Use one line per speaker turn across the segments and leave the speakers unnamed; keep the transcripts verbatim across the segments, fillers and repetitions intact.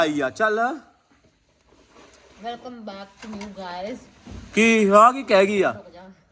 ਆਈ ਆ ਚੱਲ
welcome back to new guys.
ਕੀ ਆ ਕੀ ਕਹਿ ਗਈ ਆ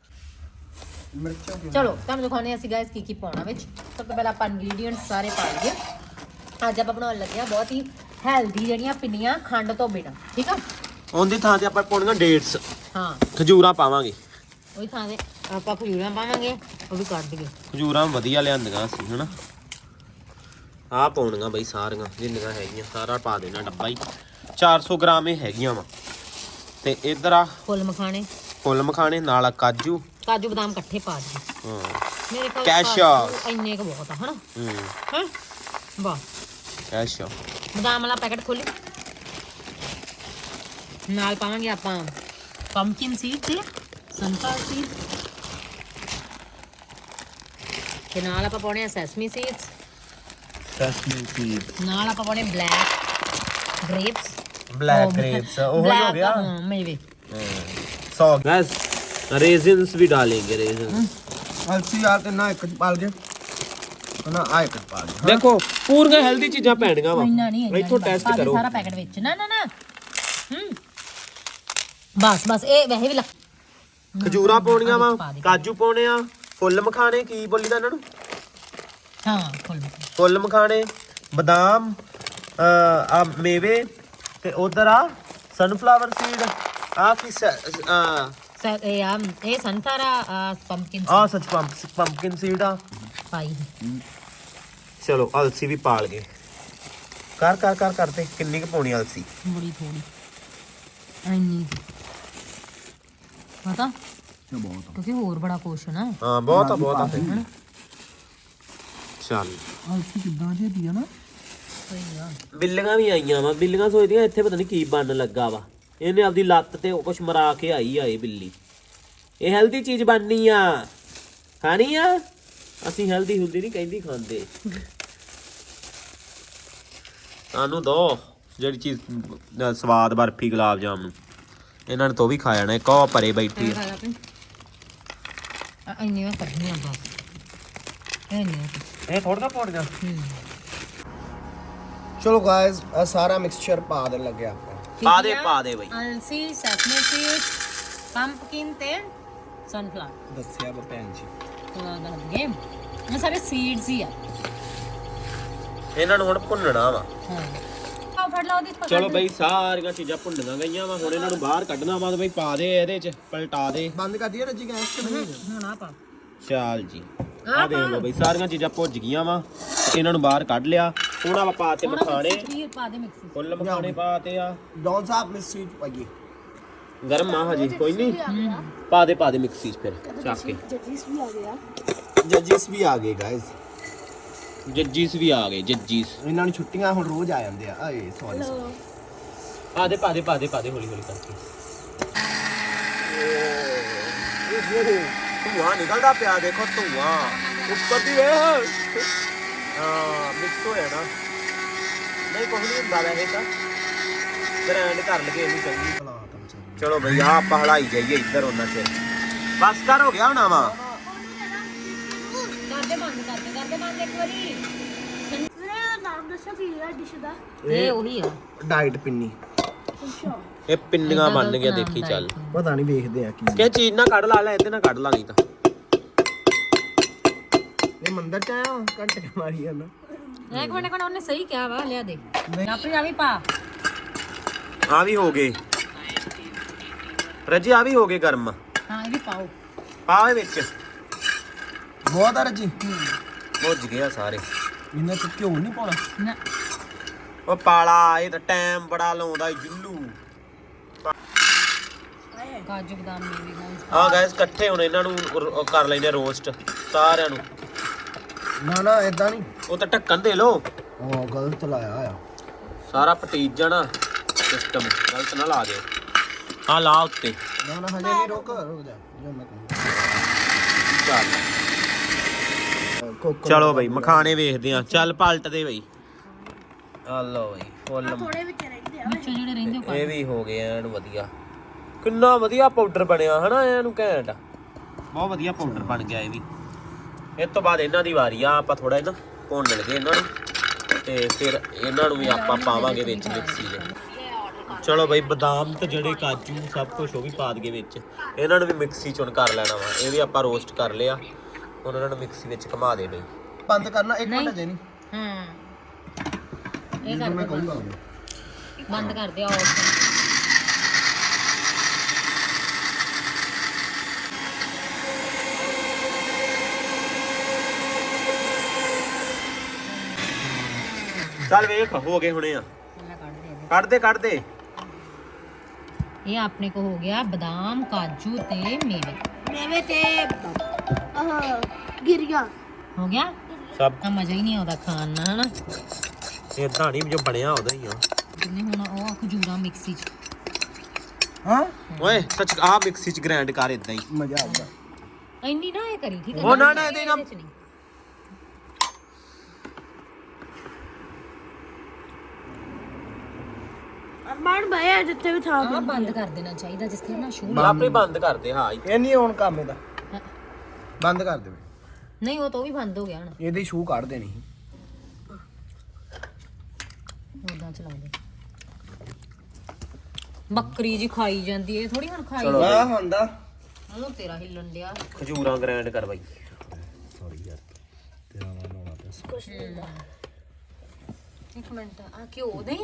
ਚਲੋ ਤੁਹਾਨੂੰ ਦਿਖਾਉਂਦੇ ਅਸੀਂ ਗਾਇਸ ਕੀ ਕੀ ਪਾਉਣਾ ਵਿੱਚ। ਸਭ ਤੋਂ ਪਹਿਲਾਂ ਆਪਾਂ ਇੰਗਰੀਡੀਐਂਟਸ ਸਾਰੇ ਪਾ ਲਈਏ। ਅੱਜ ਆਪਾਂ ਬਣਾਉਣ ਲੱਗੇ ਆ ਬਹੁਤ ਹੀ ਹੈਲਦੀ ਜਿਹੜੀਆਂ ਪਿੰਨੀਆਂ ਖੰਡ ਤੋਂ ਬਿਨਾਂ, ਠੀਕ ਆ।
ਉਹਦੀ ਥਾਂ ਤੇ ਆਪਾਂ ਪਾਉਣੀਆਂ ਡੇਟਸ,
ਹਾਂ
ਖਜੂਰਾਂ ਪਾਵਾਂਗੇ।
ਉਹੀ ਥਾਂ ਤੇ ਆਪਾਂ ਖਜੂਰਾਂ ਪਾਵਾਂਗੇ, ਉਹ ਵੀ ਕੱਢ ਦਈਏ।
ਖਜੂਰਾਂ ਵਧੀਆ ਲਿਆਂਦੀਆਂ ਸੀ ਹਨਾ। ਆਹ ਪਾਉਣੀਆਂ ਬਈ ਸਾਰੀਆਂ ਜਿੰਨੀਆਂ ਹੈਗੀਆਂ, ਸਾਰਾ ਪਾ ਦੇਣਾ ਡੱਬਾ ਹੀ। ਚਾਰ ਸੌ ਗ੍ਰਾਮ ਇਹ ਹੈਗੀਆਂ ਵਾ। ਤੇ ਇੱਧਰ ਆ
ਫੁੱਲ ਮਖਾਣੇ,
ਫੁੱਲ ਮਖਾਣੇ ਨਾਲ ਕਾਜੂ
ਕਾਜੂ ਬਦਾਮ ਇਕੱਠੇ ਪਾ ਦਈਏ।
ਹਾਂ
ਮੇਰੇ ਕੋਲ
ਕੈਸ਼ਿਊ
ਇੰਨੇ ਕੁ ਬਹੁਤ ਆ ਹਨਾ।
ਹੂੰ
ਹਾਂ ਵਾਹ।
ਕੈਸ਼ਿਊ
ਬਦਾਮ ਵਾਲਾ ਪੈਕਟ ਖੋਲੀ। ਨਾਲ ਪਾਵਾਂਗੇ ਆਪਾਂ ਪੰਪਕਿਨ ਸੀਡ ਤੇ ਸਨਫਲਾਵਰ ਸੀਡ ਤੇ ਨਾਲ ਆਪਾਂ ਪਾਉਣੇ ਆ ਸੈਸਮੀ ਸੀਡਸ।
ਸੈਸਮੀ ਸੀਡ
ਨਾਲ ਆਪਾਂ ਪਾਉਣੇ ਬਲੈਕ ਗ੍ਰੇਪਸ।
ब्लैक ग्रेप्स वो हो गया।
हाँ मेवे
सौ गैस रेजिन्स भी डालेंगे। रेजिन्स
अलसी यार ते ना एक पाल के ना आ एक पाल के।
देखो पूरी हेल्दी चीज़ां पैणीਆਂ ਵਾ।
ਇੰਨਾ ਨਹੀਂ
ਇੱਥੋਂ ਟੈਸਟ ਕਰੋ
ਸਾਰਾ ਪੈਕਟ ਵਿੱਚ। ਨਾ ਨਾ ਨਾ ਹੂੰ ਬਸ ਬਸ ਇਹ ਵੈਸੇ ਵੀ ਲੱਗ।
ਖਜੂਰਾਂ ਪਾਉਣੀਆਂ ਵਾ, ਕਾਜੂ ਪਾਉਣੇ ਆ, ਫੁੱਲ ਮਖਾਣੇ ਕੀ ਬੋਲੀਦਾ ਇਹਨਾਂ ਨੂੰ?
ਹਾਂ ਫੁੱਲ ਮਖਾਣੇ,
ਫੁੱਲ ਮਖਾਣੇ, ਬਦਾਮ, ਆ ਮੇਵੇ ਤੇ ਉਧਰ ਆ ਸਨਫਲਾਵਰ ਸੀਡ। ਆ ਕੀ ਆ
ਸਰ ਇਹ ਆ ਇਹ ਸੰਤਾਰਾ ਪੰਪਕਿਨ
ਆ ਸੱਚ ਪੰਪਕਿਨ ਸੀਡ ਆ
ਪਾਈ।
ਚਲੋ ਅਲਸੀ ਵੀ ਪਾਲ ਗਏ। ਕਰ ਕਰ ਕਰ ਕਰਦੇ ਕਿੰਨੀ ਕੁ ਪਾਉਣੀ ਅਲਸੀ?
ਬੜੀ ਥੋੜੀ ਇੰਨੀ ਪਤਾ
बहुत
ਕਿਉਂਕਿ ਹੋਰ ਬੜਾ ਕੁਛ ਨਾ।
ਹਾਂ ਬਹੁਤ ਆ ਬਹੁਤ ਆ ਫਿਰ। ਚੱਲ
अलसी कितना जे दिया ना।
ਸਹੀ ਆ।
ਬਿੱਲੀਆਂ ਵੀ ਆਈਆਂ ਵਾ। ਬਿੱਲੀਆਂ ਸੋਚਦੀਆਂ ਇੱਥੇ ਪਤਾ ਨਹੀਂ ਕੀ ਬਣਨ ਲੱਗਾ ਵਾ। ਇਹਨੇ ਆਪਦੀ ਲੱਤ ਤੇ ਕੁਛ ਮਰਾ ਕੇ ਆਈ ਆ ਇਹ ਬਿੱਲੀ। ਇਹ ਹੈਲਦੀ ਚੀਜ਼ ਬਣਨੀ ਆ, ਖਾਣੀ ਆ। ਅਸੀਂ ਹੈਲਦੀ ਹੁੰਦੀ ਨਹੀਂ ਕਹਿੰਦੀ ਖਾਂਦੇ। ਸਾਨੂੰ ਦੋ ਜਿਹੜੀ ਚੀਜ਼ ਦਾ ਸਵਾਦ ਬਰਫੀ ਗੁਲਾਬ ਜਾਮਨ ਇਹਨਾਂ ਨੇ ਤੋਂ ਵੀ ਖਾ ਜਾਣਾ। ਇੱਕ ਉਹ ਪਰੇ ਬੈਠੀ ਆ।
ਇੰਨੀਆਂ ਕੱਢਣੀਆਂ ਬਸ ਇੰਨੀਆਂ।
ਇਹ ਥੋੜਾ ਪਾਉਣੀਆਂ।
चलो गाइस सारा मिक्सचर पा देने लगे आप।
ਪਾ ਦੇ ਪਾ ਦੇ ਬਈ।
ਅਲਸੀ, ਸੈਸਮੀ ਸੀਡ, ਪੰਪਕਿਨ ਤੇ ਸਨਫਲਾਵਰ।
दसिया ब भैन जी
ਥੋੜਾ ਦੱਸ ਦਈਏ ਇਹ ਸਾਰੇ ਸੀਡਸ ਹੀ ਆ।
ਇਹਨਾਂ ਨੂੰ ਹੁਣ ਭੁੰਨਣਾ ਵਾ।
ਹਾਂ ਆ ਫੜ ਲਾ ਉਹਦੇ ਚ।
ਚਲੋ ਬਈ ਸਾਰੀਆਂ ਚੀਜ਼ਾਂ ਭੁੰਨੀਆਂ ਗਈਆਂ ਵਾ। ਹੁਣ ਇਹਨਾਂ ਨੂੰ ਬਾਹਰ ਕੱਢਣਾ ਵਾ। ਬਈ ਪਾ ਦੇ ਇਹਦੇ ਚ, ਪਲਟਾ ਦੇ।
बंद कर दिया ना जी गैस के नहीं।
ਹੁਣ ਆ ਪਾ।
ਚਾਲ ਜੀ ਆ ਦੇਖ ਲਓ ਬਈ ਸਾਰੀਆਂ ਚੀਜ਼ਾਂ ਭੁੱਜ ਗਈਆਂ ਵਾ। ਇਹਨਾਂ ਨੂੰ ਬਾਹਰ ਕੱਢ ਲਿਆ। ਹੁਣ ਆਪਾਂ ਪਾ ਤੇ ਮਖਾਣੇ,
ਪਾ ਦੇ ਮਿਕਸੀ
ਫੁੱਲ ਮਖਾਣੇ ਪਾਤੇ ਆ।
डॉन साहब मिक्सी पाइए।
ਗਰਮ ਆ ਹਜੇ ਕੋਈ ਨਹੀਂ। ਪਾ ਦੇ ਪਾ ਦੇ ਮਿਕਸੀ ਚ ਫਿਰ ਚੱਕ ਕੇ।
जजीस भी आ गए गाइस।
ਜੱਜੀਸ ਵੀ ਆ ਗਏ। ਜੱਜੀਸ
ਇਹਨਾਂ ਨੂੰ ਛੁੱਟੀਆਂ ਹੁਣ ਰੋਜ਼ ਆ ਜਾਂਦੇ ਆ। ਆਏ ਸੌਰੀ
ਪਾ ਦੇ ਪਾ ਦੇ ਪਾ ਦੇ ਪਾ ਦੇ ਹੌਲੀ ਹੌਲੀ ਕਰਕੇ। ਧੂਆਂ ਨਿਕਲਦਾ ਪਿਆ ਦੇਖੋ ਧੂਆਂ ਉੱਪਰ ਦੀ ਵੇਖ। ਹਾਂ ਮਿਕਸ ਹੋਇਆ ਨਾ। ਨਹੀਂ ਕੁਝ ਨਹੀਂ ਹੁੰਦਾ ਵੈਸੇ ਤਾਂ। ਗ੍ਰੈਂਡ ਕਰ ਲਗੇ ਇਹਨੂੰ ਚੰਗੀ। ਚਲੋ ਬਈ ਆ ਆਪਾਂ ਹਲਾਈ ਜਾਈਏ ਇੱਧਰ ਉਹਨਾਂ ਚ। ਬਸ ਕਰ ਹੋ ਗਿਆ ਹੋਣਾ ਵਾ।
ਕਰਦੇ ਬੰਦ ਕਰਦੇ ਕਰਦੇ ਬੰਦ ਇੱਕ ਵਾਰੀ।
ਮੇਰਾ ਨਾਮ ਦੱਸੋ ਕੀ ਹੈ ਡਿਸ਼ ਦਾ।
ਇਹ ਉਹੀ ਆ।
ਡਾਈਟ ਪਿੰਨੀ।
ਇਹ ਪਿੰਨੀਆਂ ਬਣ ਗਈਆਂ ਦੇਖੀ ਚੱਲ।
ਪਤਾ ਨਹੀਂ ਵੇਖਦੇ ਆ ਕੀ।
ਕਿ ਚੀਜ਼ ਨਾ ਕੱਢ ਲਾ ਲੈ ਇਹਦੇ ਨਾਲ ਕੱਢ ਲਾ ਨਹੀਂ ਤਾਂ।
ਇਹ ਮੰਦਰ ਚ ਆਇਆ ਘੰਟੇ ਮਾਰੀ ਆ ਨਾ।
ਇੱਕ ਮਿੰਟ ਕੋਣ ਉਹਨੇ ਸਹੀ ਕਿਹਾ ਵਾ। ਲਿਆ ਦੇ ਆਪਣੀ ਆ ਵੀ ਪਾ।
ਆ ਵੀ ਹੋ ਗਏ ਰੱਜੀ। ਆ ਵੀ ਹੋ ਗਏ ਗਰਮ।
ਹਾਂ ਇਹ ਵੀ ਪਾਓ।
ਪਾ ਵਿੱਚ
ਬਹੁਤ ਆ ਜੀ।
ਭੁੱਜ ਗਏ ਆ ਸਾਰੇ।
ਇਹਨਾਂ ਚ ਘਿਓ ਨਹੀਂ ਪਾਉਣਾ।
ਨਾ
ਉਹ ਪਾਲਾ ਇਹ ਤਾਂ ਟਾਈਮ ਬੜਾ ਲਾਉਂਦਾ ਜੁੱਲੂ।
ਕਾਜੂ ਬਦਾਮ ਨੇ ਵੀ ਗਾਇਸ।
ਆ ਗਾਇਸ ਇਕੱਠੇ ਹੁਣ ਇਹਨਾਂ ਨੂੰ ਰ- ਕਰ ਲੈਂਦੇ ਰੋਸਟ ਸਾਰਿਆਂ ਨੂੰ।
ਨਾ ਨਾ ਇਦਾਂ ਨਹੀਂ।
ਉਹ ਤਾਂ ਢੱਕਣ ਦੇ ਲੋ।
ਉਹ ਗਲਤ ਲਾਇਆ ਆ।
ਸਾਰਾ ਪਟੀਜ ਜਾਣਾ ਸਿਸਟਮ। ਗਲਤ ਨਾ ਲਾ ਦਿਓ। ਆ ਲਾ ਉੱਤੇ।
ਨਾ ਨਾ ਹਜੇ ਨਹੀਂ ਰੁਕ ਰੁਕ ਜਾ ਜੋ ਮੈਂ
ਚੱਲ
ਕਹਿੰਦਾ।
ਚਲੋ ਬਈ ਮਖਾਣੇ ਵੇਖਦੇ ਆ। ਚੱਲ ਪਲਟ ਦੇ ਬਈ। ਆ ਲਓ ਬਈ ਫੁੱਲ।
ਥੋੜੇ ਵਿੱਚ ਰਹਿੰਦੇ ਆ।
ਵਿੱਚੋਂ ਜਿਹੜੇ ਰਹਿੰਦੇ ਉਹ
ਇਹ ਵੀ ਹੋ ਗਏ ਐਨ ਵਧੀਆ। ਕਿੰਨਾ ਵਧੀਆ ਪਾਊਡਰ ਬਣਿਆ ਹਨਾ। ਇਹਨੂੰ ਘੈਂਟ ਬਹੁਤ ਵਧੀਆ ਪਾਊਡਰ ਬਣ ਗਿਆ ਇਹ ਵੀ। ਇਸ ਤੋਂ ਬਾਅਦ ਇਹਨਾਂ ਦੀ ਵਾਰੀ ਆ। ਆਪਾਂ ਥੋੜਾ ਇਹਨਾਂ ਭੁੰਨ ਲਗੇ ਇਹਨਾਂ ਨੂੰ। ਤੇ ਫਿਰ ਇਹਨਾਂ ਨੂੰ ਵੀ ਆਪਾਂ ਪਾਵਾਂਗੇ ਵਿੱਚ ਮਿਕਸੀ ਦੇ। ਚਲੋ ਬਈ ਬਦਾਮ ਤੇ ਜਿਹੜੇ ਕਾਜੂ ਸਭ ਕੁਝ ਉਹ ਵੀ ਪਾ ਦਈਏ ਵਿੱਚ। ਇਹਨਾਂ ਨੂੰ ਵੀ ਮਿਕਸੀ ਚੋਂ ਕਰ ਲੈਣਾ ਵਾ। ਇਹ ਵੀ ਆਪਾਂ ਰੋਸਟ ਕਰ ਲਿਆ, ਹੁਣ ਇਹਨਾਂ ਨੂੰ ਮਿਕਸੀ ਵਿੱਚ ਘੁਮਾ ਦੇ ਬਈ।
ਬੰਦ ਕਰਨਾ ਇੱਕ ਮਿੰਟ ਦੇ ਨਹੀਂ
ਹਾਂ ਇਹ
ਜਦੋਂ
ਕਰ
ਮੈਂ
ਦੇ
ਕਹੂੰਗਾ
ਬੰਦ ਕਰ ਦੇ ਆਫ।
ਚੱਲ ਵੇਖ ਹੋ ਗਏ ਹੁਣੇ ਆ। ਕੱਢ ਦੇ ਕੱਢ ਦੇ।
ਇਹ ਆਪਣੇ ਕੋ ਹੋ ਗਿਆ ਬਦਾਮ ਕਾਜੂ ਤੇ ਮੇਵੇ।
ਮੇਵੇ ਤੇ ਆਹ ਗਿਰੀਆਂ
ਹੋ ਗਿਆ
ਸਭ
ਤਾਂ ਮਜ਼ਾ ਹੀ ਨਹੀਂ ਆਉਂਦਾ ਖਾਣ ਨਾਲ ਹਨਾ।
ਇਦਾਂ ਨਹੀਂ ਜੋ ਬਣਿਆ ਉਹਦਾ ਹੀ ਆ।
ਜਿੰਨੇ ਹੁਣ ਉਹ ਖਜੂਰਾ ਮਿਕਸੀ ਚ
ਹਾਂ
ਓਏ ਸੱਚ ਆ ਮਿਕਸੀ ਚ ਗ੍ਰਾਈਂਡ ਕਰ ਇਦਾਂ ਹੀ
ਮਜ਼ਾ ਆਊਗਾ।
ਇੰਨੀ ਨਾ ਇਹ ਕਰੀ ਠੀਕ ਹੈ।
ਉਹ ਨਾ ਨਾ ਇਹਦੇ ਨਾਲ
ਚ ਨਹੀਂ।
ਅਰਮਾਨ ਭਾਈ ਜਿੱਥੇ ਵੀ ਥਾਂ
ਆਹ ਬੰਦ ਕਰ ਦੇਣਾ ਚਾਹੀਦਾ ਜਿਸ ਤਰ੍ਹਾਂ ਨਾ ਸ਼ੂ
ਆਪੇ ਬੰਦ ਕਰ ਦੇ। ਹਾਂ
ਇਹ ਨਹੀਂ ਹੁਣ ਕੰਮ ਇਹਦਾ ਬੰਦ ਕਰ ਦੇਵੇ।
ਨਹੀਂ ਉਹ ਤਾਂ ਵੀ ਬੰਦ ਹੋ ਗਿਆ ਹੁਣ
ਇਹਦੀ ਸ਼ੂ ਕੱਢ ਦੇਣੀ ਸੀ।
ਉਦਾਂ ਚਲਾ ਦੇ। ਬੱਕਰੀ ਜੀ ਖਾਈ ਜਾਂਦੀ ਏ ਥੋੜੀ ਹੁਣ ਖਾਈ
ਚਲੋ
ਆ ਹੁੰਦਾ
ਮੂੰਹ ਤੇਰਾ ਹਿੱਲਣ ਡਿਆ।
ਖਜੂਰਾਂ ਗ੍ਰਾਈਂਡ ਕਰ ਬਾਈ।
ਇੱਕ ਮਿੰਟ ਆ ਘਿਓ ਦੇ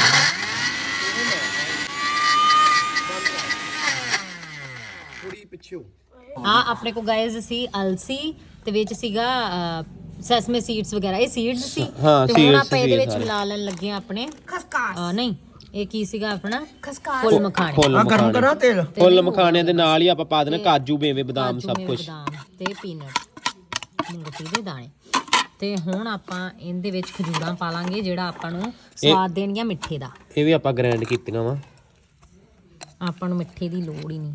ਥੋੜੀ ਪਿੱਛੇ
ਹਾਂ ਆਪਣੇ ਕੋ ਗਾਇਜ਼ ਸੀ ਅਲਸੀ ਤੇ ਵਿੱਚ ਸੀਗਾ ਸੈਸਮੇ ਸੀਡਸ ਵਗੈਰਾ ਇਹ ਸੀਡਸ ਸੀ
ਹਾਂ,
ਤੇ ਹੁਣ
seeds
ਆਪਾਂ ਇਹਦੇ
ਸੀ
ਵਿੱਚ
ਸਾਰੇ।
ਮਿਲਾ ਲੈਣ ਲੱਗੇ ਆ ਆਪਣੇ
ਖਸਕਾਸ
ਅਹ, ਨਹੀਂ ਇਹ ਕੀ ਸੀਗਾ ਆਪਣਾ
ਖਸਕਾਸ
ਫੁੱਲ ਮਖਾਣੇ
ਫੁੱਲ
ਆ ਗਰਮ ਕਰਾਂ ਤੇਲ
ਫੁੱਲ ਮਖਾਣਿਆਂ ਦੇ ਨਾਲ ਹੀ ਆਪਾਂ ਪਾ ਦੇਣਾ ਕਾਜੂ ਮੇਵੇ ਬਦਾਮ
ਕਾਜੂ,
ਸਭ
ਮੇਵੇ,
ਕੁਝ।
ਬਦਾਮ ਤੇ ਪੀਨਟ ਮੂੰਗਫਲੀ ਦੇ ਦਾਣੇ। ਤੇ ਹੁਣ ਆਪਾਂ ਇਹਦੇ ਵਿੱਚ ਖਜੂਰਾਂ ਪਾ ਲਾਂਗੇ ਜਿਹੜਾ ਆਪਾਂ ਨੂੰ ਸਵਾਦ ਦੇਣਗੀਆਂ ਮਿੱਠੇ ਦਾ।
ਇਹ ਵੀ ਆਪਾਂ ਗ੍ਰਾਈਂਡ ਕੀਤੀਆਂ ਵਾ।
ਆਪਾਂ ਨੂੰ ਮਿੱਠੇ ਦੀ ਲੋੜ ਹੀ ਨਹੀਂ।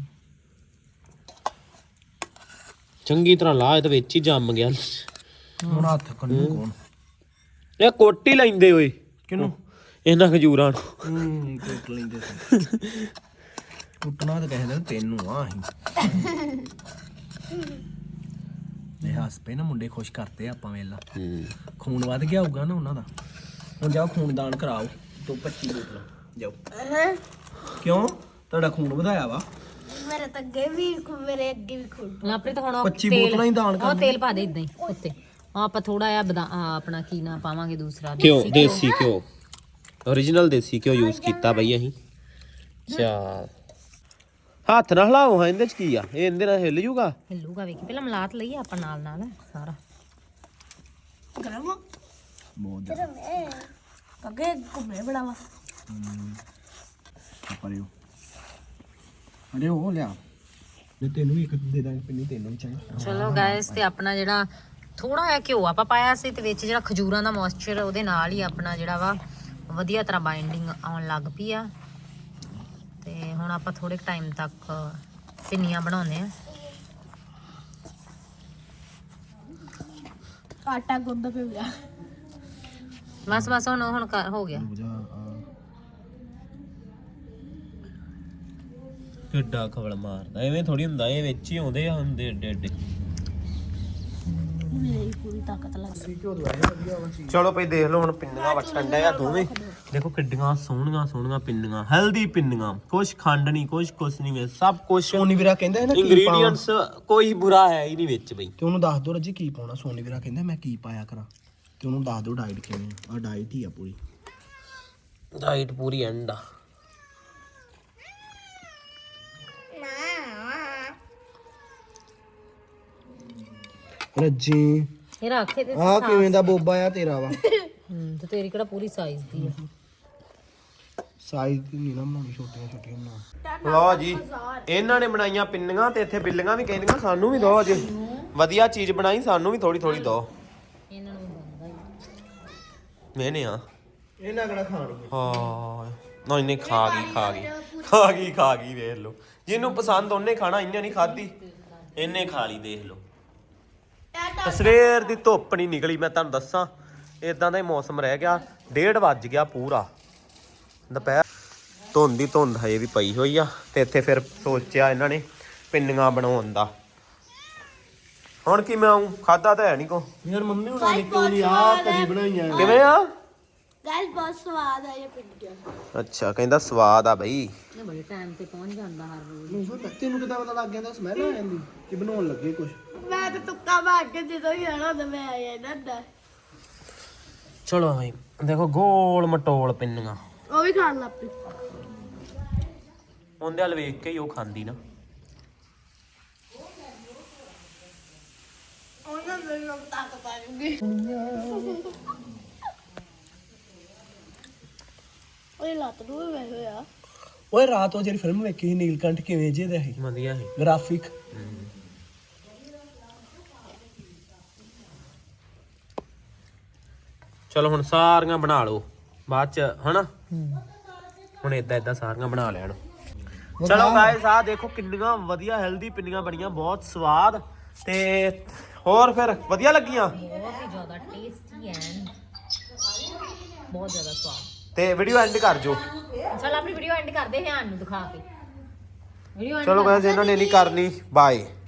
ਚੰਗੀ ਤਰ੍ਹਾਂ ਲਾ, ਇਹ ਤਾਂ ਵਿੱਚ ਹੀ ਜੰਮ ਗਿਆ।
ਹੁਣ ਹੱਥ ਕੰਨੂ ਕੋਣ
ਇਹ ਕੋਟੀ ਲੈਂਦੇ ਓਏ
ਕਿਨੂੰ
ਇਹਨਾਂ ਖਜੂਰਾਂ ਨੂੰ।
ਹੂੰ ਟੁੱਟ ਲੈਂਦੇ ਸੀ। ਟੁੱਟਣਾ ਤਾਂ ਕਹਿੰਦੇ ਤੈਨੂੰ ਆ ਅਸੀਂ ਇਹ ਹੱਸ ਪਏ ਨਾ ਮੁੰਡੇ ਖੁਸ਼ ਕਰਤੇ ਆਪਾਂ ਵੇਲਾ। ਖੂਨ ਵੱਧ ਗਿਆ ਹੋਊਗਾ ਨਾ ਉਹਨਾਂ ਦਾ। ਹੁਣ ਜਾਓ ਖੂਨ ਦਾਨ ਕਰਾਓ ਤੋਂ ਪੱਚੀ ਬੋਤਲਾਂ ਜਾਓ। ਕਿਉਂ ਤੁਹਾਡਾ ਖੂਨ ਵਧਾਇਆ ਵਾ।
ਮੇਰੇ ਤਾਂ ਅੱਗੇ ਵੀ ਮੇਰੇ ਅੱਗੇ ਵੀ ਖੁੱਲ
ਲਾਪਰੇ ਤਾਂ ਹੁਣ ਉਹ
ਪੱਚੀ
ਤੇਲ-
ਬੋਤਲਾਂ ਹੀ ਦਾਨ
ਉਹ
ਕਰਨੀਆਂ।
ਤੇਲ ਪਾ ਦੇ ਇਦਾਂ ਹੀ ਉੱਤੇ। ਆਹ ਆਪਾਂ ਥੋੜਾ ਜਿਹਾ ਬਦਾ ਆਹ ਆਪਣਾ ਕੀ ਨਾ ਪਾਵਾਂਗੇ ਦੂਸਰਾ
ਘਿਓ ਦੇਸੀ ਘਿਓ origignal ਦੇਸੀ ਘਿਓ ਯੂਜ਼ ਕੀਤਾ ਬਈ ਅਸੀਂ। ਚਲ ਹੱਥ ਨਾਲ ਹਿਲਾਓ ਹਾਂ। ਇਹਦੇ ਚ ਕੀ ਆ? ਇਹ ਇਹਦੇ ਨਾਲ ਹਿੱਲ ਜੂਗਾ।
ਹਿੱਲੂਗਾ ਵੇਖੀ ਪਹਿਲਾਂ ਮਲਾਤ ਲਈਏ ਆਪਾਂ ਨਾਲ ਨਾਲ ਸਾਰਾ।
ਗਰਮ
ਬਹੁਤ ਜ਼ਿਆਦਾ
ਅੱਗੇ ਘੁੰਮੇ ਬੜਾ ਵਾ
ਪਰਿਓ ਅਰੇ ਉਹ ਲਿਆ ਤੇ ਤੈਨੂੰ ਵੀ ਇੱਕ ਦੇ ਦਾਂਗੇ ਪਿੰਨੀ ਤੈਨੂੰ ਵੀ ਚਾਹੀਦਾ।
ਚਲੋ ਗਾਇਸ ਤੇ ਆਪਣਾ ਜਿਹੜਾ ਥੋੜਾ ਜਿਹਾ ਘਿਓ ਆਪਾਂ ਪਾਇਆ ਸੀ ਤੇ ਵਿੱਚ ਜਿਹੜਾ ਖਜੂਰਾਂ ਦਾ ਮੋਇਸਚਰ ਉਹਦੇ ਨਾਲ ਹੀ ਆਪਣਾ ਜਿਹੜਾ ਵਾ ਵਧੀਆ ਤਰ੍ਹਾਂ ਬਾਈਂਡਿੰਗ ਆਉਣ ਲੱਗ ਪਈ ਆ। ਤੇ ਹੁਣ ਆਪਾਂ ਥੋੜੇ ਟਾਈਮ ਤੱਕ ਪਿੰਨੀਆਂ ਬਣਾਉਂਦੇ ਆ।
ਆਟਾ ਗੁੰਦਾ ਪਿਆ ਗਿਆ
ਬਸ ਬਸ ਹੁਣ ਹੁਣ ਕਰ- ਹੋ ਗਿਆ।
ਕਿੱਡਾ ਖਵਲ ਮਾਰਦਾ ਐਵੇਂ ਥੋੜੀ ਹੁੰਦਾ। ਇਹ ਵਿੱਚ ਹੀ ਆਉਂਦੇ ਆ ਹੁੰਦੇ ਏਡੇ ਏਡੇ।
ਮੇਰੀ ਪੂਰੀ ਤਾਕਤ ਲੱਗ ਗਈ।
ਚਲੋ ਭਈ ਦੇਖ ਲਓ ਹੁਣ ਪਿੰਨੀਆਂ ਵਟਣ ਡਿਆ ਦੋਵੇਂ। ਦੇਖੋ ਕਿੱਡੀਆਂ ਸੋਹਣੀਆਂ ਸੋਹਣੀਆਂ ਪਿੰਨੀਆਂ, ਹੈਲਦੀ ਪਿੰਨੀਆਂ। ਕੁਛ ਖੰਡ ਨਹੀਂ, ਕੁਛ ਕੁਛ ਨਹੀਂ ਵਿੱਚ, ਸਭ ਕੁਛ
ਸੋਨੀ ਵੀਰਾ ਕਹਿੰਦਾ ਹੈ ਨਾ ਕੀ
ਇੰਗਰੀਡੀਐਂਟਸ ਕੋਈ ਬੁਰਾ ਹੈ ਹੀ ਨਹੀਂ ਵਿੱਚ ਬਈ।
ਤੇ ਉਹਨੂੰ ਦੱਸ ਦੋ ਰੱਜੀ ਕੀ ਪਾਉਣਾ। ਸੋਨੀ ਵੀਰਾ ਕਹਿੰਦਾ ਮੈਂ ਕੀ ਪਾਇਆ ਕਰਾਂ ਤੇ ਉਹਨੂੰ ਦੱਸ ਦੋ ਡਾਈਟ ਕਿਵੇਂ ਆ। ਡਾਈਟ ਹੀ ਆ ਪੂਰੀ।
ਡਾਈਟ ਪੂਰੀ ਐਂਡ ਆ।
ਰੱਜੀ
ਇਹ ਰੱਖੇ ਤੇ
ਆ ਕਿਵੇਂ ਦਾ ਬੋਬਾ ਆ ਤੇਰਾ ਵਾ।
ਹੂੰ ਤੇ ਤੇਰੀ ਕਿਹੜਾ ਪੂਰੀ ਸਾਈਜ਼ ਦੀ ਆ।
ਸਾਈਜ਼ ਦੀ ਨਹੀਂ ਨਾ ਬਣਾਉਣੀ, ਛੋਟੀਆਂ ਛੋਟੀਆਂ ਬਣਾ।
ਲਓ ਜੀ ਇਹਨਾਂ ਨੇ ਬਣਾਈਆਂ ਪਿੰਨੀਆਂ ਤੇ ਇੱਥੇ ਬਿੱਲੀਆਂ ਵੀ ਕਹਿੰਦੀਆਂ ਸਾਨੂੰ ਵੀ ਦਿਓ। ਅੱਜ ਵਧੀਆ ਚੀਜ਼ ਬਣਾਈ, ਸਾਨੂੰ ਵੀ ਥੋੜੀ ਥੋੜੀ ਦਿਓ।
ਇਹਨਾਂ ਨੂੰ ਬੰਦਾ ਹੀ
ਮੈਨੇ ਆ
ਇਹਨਾਂ ਕਿਹੜਾ ਖਾਣੀ
ਹਾਂ ਨਾ ਇਹਨੇ ਖਾ ਗਈ ਖਾ ਗਈ ਖਾ ਗਈ ਖਾ ਗਈ ਵੇਖ ਲਓ। ਜਿਹਨੂੰ ਪਸੰਦ ਉਹਨੇ ਖਾਣਾ, ਇਹਨੇ ਨਹੀਂ ਖਾਧੀ, ਇਹਨੇ ਖਾ ਲਈ। ਦੇਖ ਲਓ ਸਵੇਰ ਦੀ ਧੁੱਪ ਨਹੀਂ ਨਿਕਲੀ, ਮੈਂ ਤੁਹਾਨੂੰ ਦੱਸਾਂ। ਇਦਾਂ ਦਾ ਹੀ ਮੌਸਮ ਰਹਿ ਗਿਆ। ਡੇਢ ਵੱਜ ਗਿਆ ਪੂਰਾ ਦੁਪਹਿਰ। ਧੁੰਦ ਦੀ ਧੁੰਦ ਹਜੇ ਵੀ ਪਈ ਹੋਈ ਆ। ਤੇ ਇੱਥੇ ਫਿਰ ਸੋਚਿਆ ਇਹਨਾਂ ਨੇ ਪਿੰਨੀਆਂ ਬਣਾਉਣ ਦਾ। ਹੁਣ ਕੀ ਮੈਂ ਆਉਂ? ਖਾਦਾ ਤਾਂ ਹੈ ਨਹੀਂ ਕੋ।
ਯਾਰ ਮੰਮੀ ਹੁਣਾਂ ਨੇ ਕੋਈ ਆ ਕਰੀ ਬਣਾਈਆਂ।
ਕਿਵੇਂ ਆ?
ਗਾਇਸ ਬਹੁਤ ਸਵਾਦ ਆ ਇਹ ਪਿੰਡੀਆਂ।
ਅੱਛਾ ਕਹਿੰਦਾ ਸਵਾਦ ਆ ਬਈ।
ਇਹ ਬੜੇ ਟਾਈਮ ਤੇ ਪਹੁੰਚ ਜਾਂਦਾ ਹਰ ਰੋਜ਼।
ਤੈਨੂੰ ਕਿੱਦਾਂ ਪਤਾ ਲੱਗ ਗਿਆ ਸਮੈਲ ਆ ਜਾਂਦੀ ਕਿ ਬਣਾਉਣ ਲੱਗੇ ਕੁਝ?
ਮੈਂ ਤਾਂ ਤੁੱਕਾ ਮਾਰ ਕੇ ਜਦੋਂ ਹੀ ਆਣਾ ਹੁੰਦਾ ਮੈਂ ਆਇਆ ਨਾ।
ਚਲੋ ਬਈ ਦੇਖੋ ਗੋਲ ਮਟੋਲ ਪਿੰਨੀਆਂ।
ਉਹ ਵੀ ਖਾਣ ਲੱਗ ਪਈ।
ਉਹਦੇ ਵੱਲ ਵੇਖ ਕੇ ਹੀ ਉਹ ਖਾਂਦੀ ਨਾ।
ਉਹਨਾਂ ਦੇ ਲੋਕ ਤਾਕਤ ਆ ਜੂਗੀ। ਓਏ ਲੱਤ ਨੂੰ ਵੀ ਵੇ ਹੋਇਆ।
ਓਏ ਰਾਤ ਉਹ ਜਿਹੜੀ ਫਿਲਮ ਵੇਖੀ ਸੀ ਨੀਲਕੰਠ ਕਿਵੇਂ ਜੇ ਦਾ ਸੀ?
ਵਧੀਆ ਸੀ
ਗ੍ਰਾਫਿਕ।
ਚਲੋ ਹੁਣ ਸਾਰੀਆਂ ਬਣਾ ਲਓ ਬਾਅਦ ਚ ਹਨਾ। ਹੁਣ ਏਦਾਂ ਏਦਾਂ ਸਾਰੀਆਂ ਬਣਾ ਲੈਣ। ਚਲੋ ਗਾਇਸ ਆ ਦੇਖੋ ਕਿੰਨੀਆਂ ਵਧੀਆ ਹੈਲਦੀ ਪਿੰਨੀਆਂ ਬਣੀਆਂ, ਬਹੁਤ ਸਵਾਦ। ਤੇ ਹੋਰ ਫਿਰ ਵਧੀਆ ਲੱਗੀਆਂ?
ਬਹੁਤ ਹੀ ਜ਼ਿਆਦਾ ਟੇਸਟੀ ਐਂਡ ਬਹੁਤ ਜ਼ਿਆਦਾ ਸਵਾਦ।
ਤੇ ਵੀਡੀਓ ਐਂਡ ਕਰ ਜੋ।
ਚਲ ਆਪਣੀ ਵੀਡੀਓ ਐਂਡ ਕਰਦੇ ਹਾਂ ਨੂੰ ਦਿਖਾ ਕੇ। ਵੀਡੀਓ
ਚਲੋ ਗਾਇਸ ਇਹਨਾਂ ਨੇ ਨਹੀਂ ਕਰਨੀ। ਬਾਏ।